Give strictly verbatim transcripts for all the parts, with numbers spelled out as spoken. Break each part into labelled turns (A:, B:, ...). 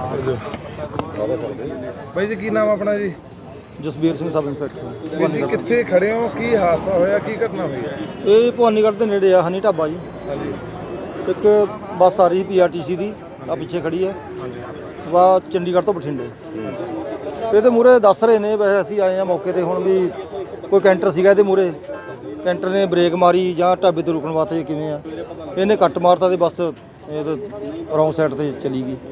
A: ਬਾਈ ਜੀ ਕੀ ਨਾਮ ਆਪਣਾ ਜੀ?
B: Jasbir Singh sub inspector.
A: ਜੀ ਕਿੱਥੇ ਖੜੇ ਹੋ, ਕੀ ਹਾਦਸਾ ਹੋਇਆ, ਕੀ ਘਟਨਾ ਹੋਈ?
B: ਇਹ ਭਵਾਨੀਗੜ੍ਹ ਦੇ ਨੇੜੇ ਆ ਹਨੀ ਢਾਬਾ ਜੀ।
A: ਹਾਂਜੀ।
B: ਇੱਕ ਬੱਸ ਆ ਰਹੀ ਪੀ ਆਰ ਟੀ ਸੀ ਦੀ, ਆ ਪਿੱਛੇ ਖੜੀ ਹੈ ਵਾ ਚੰਡੀਗੜ੍ਹ ਤੋਂ ਬਠਿੰਡੇ। ਇਹਦੇ ਮੂਹਰੇ ਦੱਸ ਰਹੇ ਨੇ, ਵੈਸੇ ਅਸੀਂ ਆਏ ਆ ਮੌਕੇ ਤੇ ਹੁਣ ਵੀ ਕੋਈ ਕੈਂਟਰ ਸੀਗਾ ਇਹਦੇ ਮੂਹਰੇ, ਕੈਂਟਰ ਨੇ ਬ੍ਰੇਕ ਮਾਰੀ ਜਾਂ ਢਾਬੇ ਤੇ ਰੁਕਣ ਵਾਸਤੇ ਕਿਵੇਂ ਆ, ਇਹਨੇ ਕੱਟ ਮਾਰਤਾ ਤੇ ਬੱਸ ਇਹ ਰੌਂਗ ਸਾਈਡ ਤੇ ਚਲੀ ਗਈ।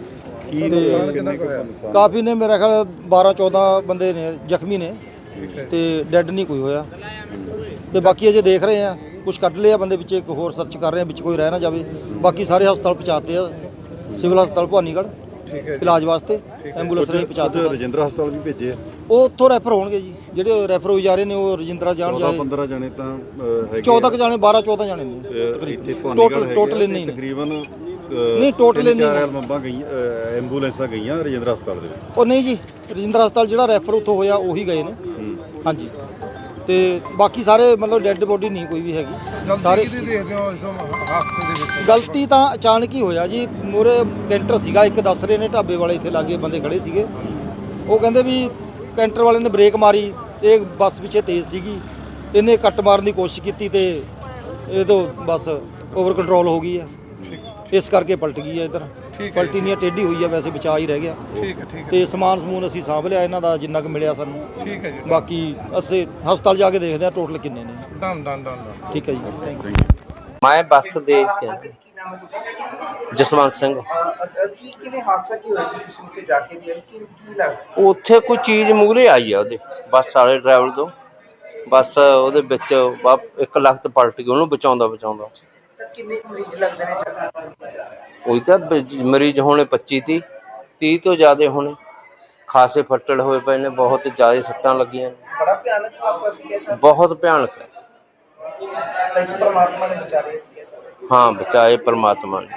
B: ਤੇ ਕਾਫੀ ਨੇ ਮੇਰਾ ਖਿਆਲ ਬਾਰਾਂ ਚੌਦਾਂ ਬੰਦੇ ਨੇ ਜ਼ਖਮੀ ਨੇ ਤੇ ਡੈੱਡ ਨਹੀਂ ਕੋਈ ਹੋਇਆ। ਤੇ ਬਾਕੀ ਅਜੇ ਦੇਖ ਰਹੇ ਆ, ਕੁਝ ਕੱਢ ਲਿਆ ਬੰਦੇ ਵਿੱਚ, ਇੱਕ ਹੋਰ ਸਰਚ ਕਰ ਰਹੇ ਆ ਵਿੱਚ ਕੋਈ ਰਹਿ ਨਾ ਜਾਵੇ। ਬਾਕੀ ਸਾਰੇ ਹਸਪਤਾਲ ਪਹੁੰਚਾਤੇ ਆ, ਸਿਵਲ ਹਸਪਤਾਲ ਭਵਾਨੀਗੜ੍ਹ ਇਲਾਜ ਵਾਸਤੇ ਐਂਬੂਲੈਂਸ ਰਾਹੀਂ ਪਹੁੰਚਾਤੇ।
C: ਰਜਿੰਦਰਾ ਹਸਪਤਾਲ ਵੀ ਭੇਜੇ ਆ,
B: ਉਹ ਉੱਥੋਂ ਰੈਫਰ ਹੋਣਗੇ ਜੀ, ਜਿਹੜੇ ਰੈਫਰ ਹੋਈ ਜਾ ਰਹੇ ਨੇ ਉਹ ਰਜਿੰਦਰਾ ਜਾਣ ਜਾਏ।
C: ਪੰਦਰਾਂ ਜਾਣੇ ਤਾਂ ਹੈਗੇ,
B: ਚੌਦਾਂ ਕੁ ਜਾਣੇ, ਬਾਰਾਂ ਚੌਦਾਂ ਜਾਣੇ ਨੇ ਟੋਟਲ ਟੋਟਲ ਇੰਨੇ ਨੇ
C: ਤਕਰੀਬਨ।
B: ਨਹੀਂ ਟੋਟਲ ਇੰਨੇ
C: ਚਾਰ ਮੰਬਾਂ ਗਈਆਂ, ਐਂਬੂਲੈਂਸਾਂ ਗਈਆਂ ਰਜਿੰਦਰਾ ਹਸਪਤਾਲ ਦੇ ਵਿੱਚ।
B: ਉਹ ਨਹੀਂ ਜੀ, ਰਜਿੰਦਰਾ ਹਸਪਤਾਲ ਜਿਹੜਾ ਰੈਫਰ ਉੱਥੋਂ ਹੋਇਆ ਉਹੀ ਗਏ ਨੇ। ਹਾਂਜੀ। ਤੇ ਬਾਕੀ ਸਾਰੇ ਮਤਲਬ ਡੈੱਡ ਬੋਡੀ ਨਹੀਂ ਕੋਈ ਵੀ ਹੈਗੀ। ਸਾਰੇ
A: ਦੇਖਦੇ ਹੋ ਇਸ ਹਾਦਸੇ ਦੇ ਵਿੱਚ?
B: ਗਲਤੀ ਤਾਂ ਅਚਾਨਕ ਹੀ ਹੋਇਆ ਜੀ। ਮੂਹਰੇ ਕੈਂਟਰ ਸੀਗਾ, ਇੱਕ ਦੱਸ ਰਹੇ ਨੇ ਢਾਬੇ ਵਾਲੇ ਇੱਥੇ ਲਾਗੇ ਬੰਦੇ ਖੜੇ ਸੀਗੇ, ਉਹ ਕਹਿੰਦੇ ਵੀ ਕੈਂਟਰ ਵਾਲੇ ਨੇ ਬ੍ਰੇਕ ਮਾਰੀ ਤੇ ਬੱਸ ਪਿੱਛੇ ਤੇਜ਼ ਸੀਗੀ, ਇਹਨੇ ਕੱਟ ਮਾਰਨ ਦੀ ਕੋਸ਼ਿਸ਼ ਕੀਤੀ ਤੇ ਇਹ ਤੋਂ ਬੱਸ ਓਵਰ ਕੰਟਰੋਲ ਹੋ ਗਈ ਹੈ, ਇਸ ਕਰਕੇ ਪਲਟ ਗਈ ਹੈ। ਇੱਧਰ ਪਲਟੀ ਨਹੀਂ, ਟੇਢੀ ਹੋਈ ਹੈ, ਵੈਸੇ ਬਚਾ ਹੀ ਰਹਿ ਗਿਆ।
A: ਠੀਕ ਹੈ, ਠੀਕ ਹੈ।
B: ਤੇ ਸਮਾਨ ਸਮੂਨ ਅਸੀਂ ਸਾਂਭ ਲਿਆ ਇਹਨਾਂ ਦਾ ਜਿੰਨਾ ਕੁ ਮਿਲਿਆ ਸਾਨੂੰ।
A: ਠੀਕ ਹੈ ਜੀ।
B: ਬਾਕੀ ਅਸੀਂ ਹਸਪਤਾਲ ਜਾ ਕੇ ਦੇਖਦੇ ਹਾਂ ਟੋਟਲ ਕਿੰਨੇ ਨੇ।
A: Done done done.
B: ਠੀਕ ਹੈ ਜੀ।
D: ਮੈਂ ਬੱਸ ਦੇਖ ਕੇ ਜਸਵੰਤ ਸਿੰਘ।
E: ਕੀ ਕਿਵੇਂ ਹਾਦਸਾ ਕੀ ਹੋਇਆ ਸੀ, ਤੁਸੀਂ ਉੱਥੇ ਜਾ ਕੇ ਵੀ ਕੀ ਕੀ ਲੱਗ
D: ਉੱਥੇ ਕੋਈ ਚੀਜ਼ ਮੂਹਰੇ ਆਈ ਆ ਉਹਦੇ ਬੱਸ ਵਾਲੇ ਡਰਾਈਵਰ ਤੋਂ, ਬੱਸ ਉਹਦੇ ਵਿੱਚ ਇੱਕ ਲੱਖ ਪਲਟ ਗਈ, ਉਹਨੂੰ ਬਚਾਉਂਦਾ ਬਚਾਉਂਦਾ।
E: ਤਾਂ ਕਿੰਨੇ ਮਰੀਜ਼ ਲੱਗਦੇ ਨੇ ਜਗ੍ਹਾ?
D: ਉਹੀ ਤਾਂ ਮਰੀਜ਼ ਹੋਣੇ ਪੱਚੀ ਤੀਹ ਤੀਹ ਤੋਂ ਜ਼ਿਆਦਾ ਹੋਣੇ, ਖਾਸੇ ਫੱਟੜ ਹੋਏ ਪਏ ਨੇ, ਬਹੁਤ ਜ਼ਿਆਦਾ ਸੱਟਾਂ ਲੱਗੀਆਂ ਨੇ।
E: ਬੜਾ ਭਿਆਨਕ ਹਾਦਸਾ ਸੀ ਕਿਸਾ?
D: ਬਹੁਤ ਭਿਆਨਕ ਹੈ।
E: ਤਾਂ ਕਿ ਪਰਮਾਤਮਾ ਨੇ ਬਚਾ ਲਿਆ ਸੀ ਕਿਸਾ?
D: ਹਾਂ ਬਚਾਏ ਪਰਮਾਤਮਾ ਨੇ,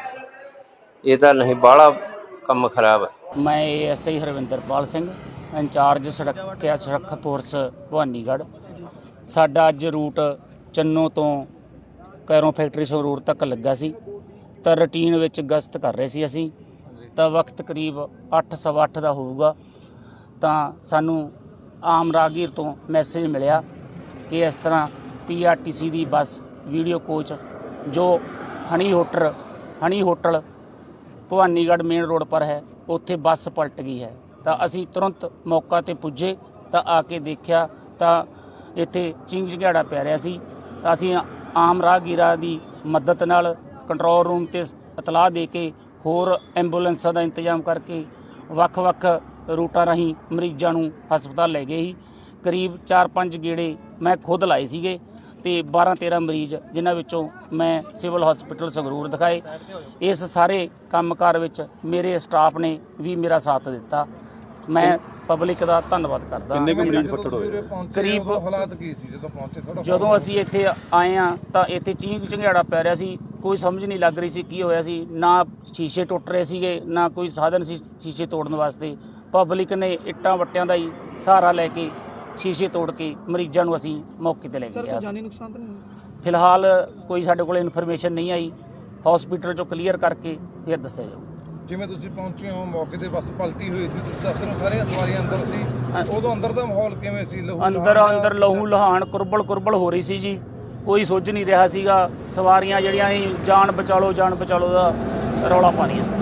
D: ਇਹ ਤਾਂ ਨਹੀਂ ਬਾਹਲਾ ਕੰਮ ਖਰਾਬ ਹੈ।
F: ਮੈਂ S I Harvinderpal Singh, incharge ਸੁਰੱਖਿਆ ਸੁਰੱਖਿਆ ਫੋਰਸ ਭਵਾਨੀਗੜ੍ਹ। ਸਾਡਾ ਅੱਜ ਰੂਟ ਚੰਨੋ ਤੋਂ ਕੈਰੋਂ ਫੈਕਟਰੀ ਸੰਗਰੂਰ ਤੱਕ ਲੱਗਾ ਸੀ, ਤਾਂ ਰੂਟੀਨ ਵਿੱਚ ਗਸ਼ਤ ਕਰ ਰਹੇ ਸੀ ਅਸੀਂ। ਤਾਂ ਵਕਤ ਕਰੀਬ ਅੱਠ ਸਵਾ ਅੱਠ ਦਾ ਹੋਊਗਾ, ਤਾਂ ਸਾਨੂੰ ਆਮ ਰਾਹਗੀਰ ਤੋਂ ਮੈਸੇਜ ਮਿਲਿਆ ਕਿ ਇਸ ਤਰ੍ਹਾਂ ਪੀ ਆਰ ਟੀ ਸੀ ਦੀ ਬੱਸ ਵੀਡੀਓ ਕੋਚ ਜੋ honey hotel honey hotel Bhawanigarh main road ਪਰ ਹੈ, ਉੱਥੇ ਬੱਸ ਪਲਟ ਗਈ ਹੈ। ਤਾਂ ਅਸੀਂ ਤੁਰੰਤ ਮੌਕਾ 'ਤੇ ਪੁੱਜੇ ਤਾਂ ਆ ਕੇ ਦੇਖਿਆ ਤਾਂ ਇੱਥੇ ਚਿੰਗ ਚਿੰਗਾੜਾ ਪੈ ਰਿਹਾ ਸੀ। ਅਸੀਂ ਆਮ ਰਾਹਗੀਰਾਂ ਦੀ ਮਦਦ ਨਾਲ ਕੰਟਰੋਲ ਰੂਮ 'ਤੇ ਇਤਲਾਹ ਦੇ ਕੇ ਹੋਰ ਐਂਬੂਲੈਂਸਾਂ ਦਾ ਇੰਤਜ਼ਾਮ ਕਰਕੇ ਵੱਖ-ਵੱਖ ਰੂਟਾਂ ਰਾਹੀਂ ਮਰੀਜ਼ਾਂ ਨੂੰ ਹਸਪਤਾਲ ਲੈ ਗਏ ਸੀ। ਕਰੀਬ ਚਾਰ ਪੰਜ ਗੇੜੇ ਮੈਂ ਖੁਦ ਲਾਏ ਸੀਗੇ ਤੇ ਬਾਰਾਂ ਤੇਰਾਂ ਮਰੀਜ਼, ਜਿਨ੍ਹਾਂ ਵਿੱਚੋਂ ਮੈਂ ਸਿਵਲ ਹਸਪੀਟਲ ਸੰਗਰੂਰ ਦਿਖਾਏ। ਇਸ ਸਾਰੇ ਕੰਮਕਾਰ ਵਿੱਚ ਮੇਰੇ ਸਟਾਫ ਨੇ ਵੀ ਮੇਰਾ ਸਾਥ ਦਿੱਤਾ। ਮੈਂ ਪਬਲਿਕ ਦਾ ਧੰਨਵਾਦ ਕਰਦਾ।
C: ਕਿੰਨੇ ਕੁ ਮਰੀਜ਼ ਫੱਟੜ ਹੋਏ?
A: ਕਰੀਬ ਹਾਲਾਤ ਕੀ ਸੀ ਜਦੋਂ ਪਹੁੰਚੇ? ਥੋੜਾ
F: ਜਦੋਂ ਅਸੀਂ ਇੱਥੇ ਆਏ ਆ ਤਾਂ ਇੱਥੇ ਚੀਂਗ ਚਿੰਗਾੜਾ ਪੈ ਰਿਹਾ ਸੀ, ਕੋਈ ਸਮਝ ਨਹੀਂ ਲੱਗ ਰਹੀ ਸੀ ਕੀ ਹੋਇਆ ਸੀ। ਨਾ ਸ਼ੀਸ਼ੇ ਟੁੱਟ ਰਹੇ ਸੀਗੇ, ਨਾ ਕੋਈ ਸਾਧਨ ਸੀ ਸ਼ੀਸ਼ੇ ਤੋੜਨ ਵਾਸਤੇ। ਪਬਲਿਕ ਨੇ ਇੱਟਾਂ ਵੱਟਿਆਂ ਦਾ ਹੀ ਸਹਾਰਾ ਲੈ ਕੇ ਸ਼ੀਸ਼ੇ ਤੋੜ ਕੇ ਮਰੀਜ਼ਾਂ ਨੂੰ ਅਸੀਂ ਮੌਕੇ 'ਤੇ ਲੈ ਕੇ ਗਿਆ। ਜਾਨੀ ਨੁਕਸਾਨ ਤਾਂ ਨਹੀਂ? ਫਿਲਹਾਲ ਕੋਈ ਸਾਡੇ ਕੋਲ ਇਨਫੋਰਮੇਸ਼ਨ ਨਹੀਂ ਆਈ, ਹਸਪੀਟਲ 'ਚੋਂ ਕਲੀਅਰ ਕਰਕੇ ਫਿਰ ਦੱਸਿਆ ਜਾਊ।
A: ਜਿਵੇਂ ਤੁਸੀਂ ਪਹੁੰਚੇ ਹੋ ਮੌਕੇ ਤੇ ਬੱਸ ਪਲਟੀ ਹੋਈ ਸੀ, ਤੁਸੀਂ ਦੱਸ ਰਹੇ ਹੋ ਸਾਰੀਆਂ ਸਵਾਰੀਆਂ ਅੰਦਰ ਸੀ, ਉਦੋਂ ਅੰਦਰ ਦਾ ਮਾਹੌਲ ਕਿਵੇਂ ਸੀ? ਲਹੂ
F: ਅੰਦਰ ਅੰਦਰ ਲਹੂ ਲਹਾਨ ਕੁਰਬਲ ਕੁਰਬਲ ਹੋ ਰਹੀ ਸੀ ਜੀ, ਕੋਈ ਸੁੱਝ ਨਹੀਂ ਰਿਹਾ ਸੀਗਾ। ਸਵਾਰੀਆਂ ਜਿਹੜੀਆਂ ਸੀ ਜਾਨ ਬਚਾ ਲਓ ਜਾਨ ਬਚਾ ਲਓ ਦਾ ਰੌਲਾ ਪਾ ਰਹੀਆਂ ਸੀ।